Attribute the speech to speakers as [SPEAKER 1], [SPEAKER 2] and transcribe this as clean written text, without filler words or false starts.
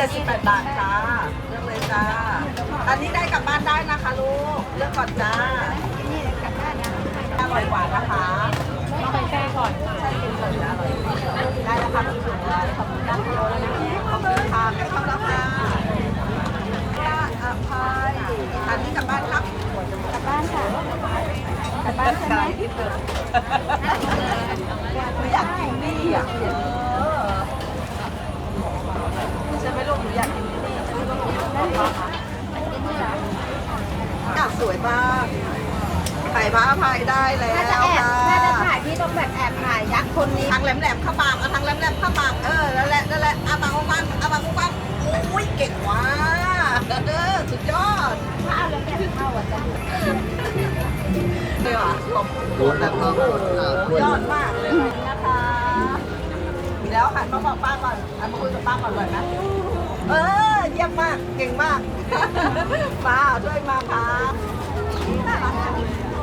[SPEAKER 1] 78 บาทค่ะเลือกเลยจ้าอันนี้ได้กลับบ้านได้นะคะลูกเลือกก่อนจ้าอร่อยกว่านะคะต้องไปแช่ก่อนใช่กินก่อนนะอร่อยได้แล้วค่ะพี่ถุงเลยขอบคุณนะคะขอบคุณค่ะให้เข้าแล้วค่ะอภัยอันนี้กลับบ้านครับกลับบ้านค่ะกลับบ้านใช่ไหมอยากกินนี่อ่ะใช่ไหมลูกหนูอยากกินนี่ใช่ไหมลูกสวยมากถ่ายพระอภัยได้แล้วค่ะ
[SPEAKER 2] น่าจะถ่ายพี่ต้องแบบแอบถ่ายยักษ์คนนี้
[SPEAKER 1] ทางแหลมๆเข้าปากเอาทางแหลมๆเข้าปากนั่นแหละอาบางฟังอุ้ยเก่งว่ะสุดยอด
[SPEAKER 2] ถ้าเอาแล้วแบบเข้าอ่ะจะ
[SPEAKER 1] เดี๋ยวขอบคุณแบบยอดมากเลยนะคะแล้วหันมาบอกป้าก่อนหันมาคุยกับป้าก่อนเลยนะเยี่ยมมากเก่งมากมาช่วยมาค่ะ